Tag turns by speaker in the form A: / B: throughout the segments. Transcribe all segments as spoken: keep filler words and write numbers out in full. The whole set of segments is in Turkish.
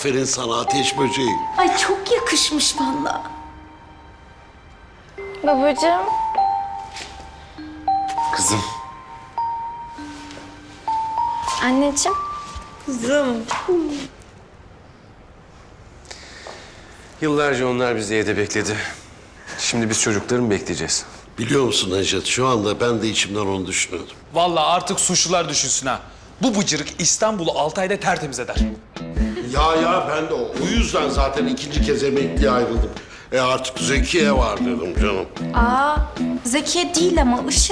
A: Aferin sana ateş böceği.
B: Ay çok yakışmış vallahi.
C: Babacığım.
D: Kızım.
C: Anneciğim.
B: Kızım.
D: Yıllarca onlar bizi evde bekledi. Şimdi biz çocukları mı bekleyeceğiz?
A: Biliyor musun Necdet, şu anda ben de içimden onu düşünüyordum.
E: Vallahi artık suçlular düşünsün ha. Bu bıcırık İstanbul'u altı ayda tertemiz eder.
A: Ya ya ben de o, o yüzden zaten ikinci kez emekliye ayrıldım. E artık Zekiye var dedim canım.
B: Aa, Zekiye değil ama Işıl.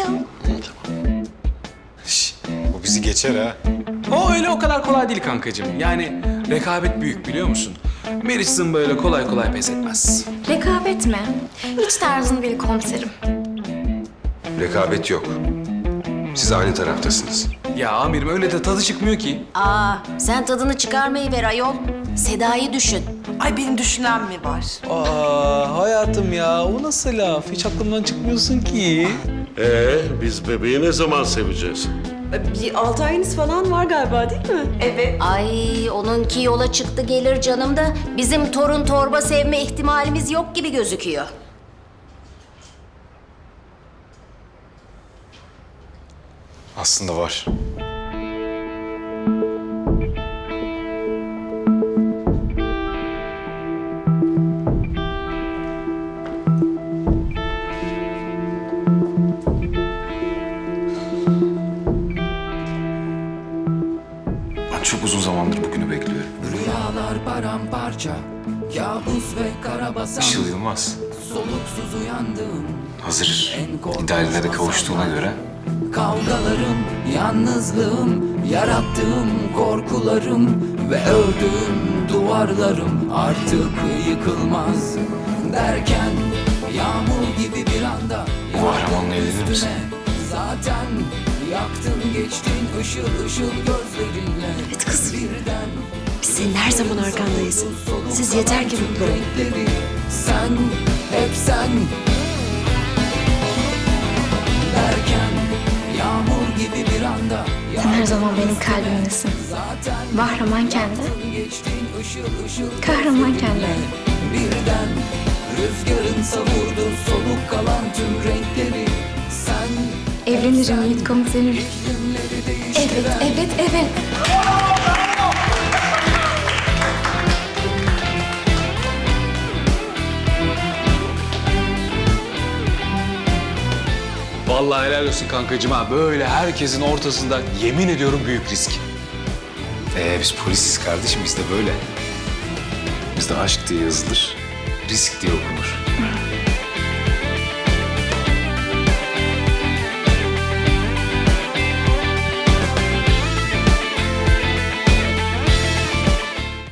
D: Şş, bu bizi geçer ha.
E: O öyle o kadar kolay değil kankacığım. Yani rekabet büyük biliyor musun? Meriç Zımba öyle kolay kolay pes etmez.
B: Rekabet mi? Hiç tarzın değil komiserim.
D: Rekabet yok. Siz aynı taraftasınız.
E: Ya amirim öyle de tadı çıkmıyor ki.
F: Aa, sen tadını çıkarmayı ver ayol. Seda'yı düşün.
G: Ay benim düşünen mi var?
E: Aa hayatım ya o nasıl laf? Hiç aklımdan çıkmıyorsun ki.
A: Ee biz bebeği ne zaman seveceğiz?
G: Bir altı ayınız falan var galiba değil mi? Evet.
F: Ay, onunki yola çıktı gelir canım da bizim torun torba sevme ihtimalimiz yok gibi gözüküyor.
D: Aslında var. Ben çok uzun zamandır bugünü bekliyorum.
H: Rüyalar paramparça, kabus ve karabasan.
D: Işıl Yılmaz.
H: Soluksuz uyandım.
D: Hazır. İdealine de kavuştuğuna göre.
H: Kavgalarım, yalnızlığım, yarattığım korkularım ve ördüğüm duvarlarım artık yıkılmaz. Derken yağmur gibi bir anda
D: Kahramanla evlenir misin?
H: zaten yaktın geçtin ışıl ışıl gözlerinle.
G: Evet kızım.
H: Birden
G: Biz senin her zaman arkandayız. Siz yeter ki mutlu olun.
H: renkleri sen, hep sen. Derken yağmur gibi bir anda
C: Sen her zaman benim kalbimdesin. Bahraman kendi.
H: geçtin ışıl ışıl
C: Kahraman kendi.
H: birden rüzgarın savurdu soluk kalan tüm renkleri sen.
C: Evlenirim Yiğit komiserim.
H: iklimleri değiştiren
B: Evet, evet, evet.
E: Vallahi helal olsun kankacığım ha. Böyle herkesin ortasında yemin ediyorum büyük risk.
D: Ee biz polisiz kardeşim, biz de böyle. Bizde aşk diye yazılır, risk diye okunur.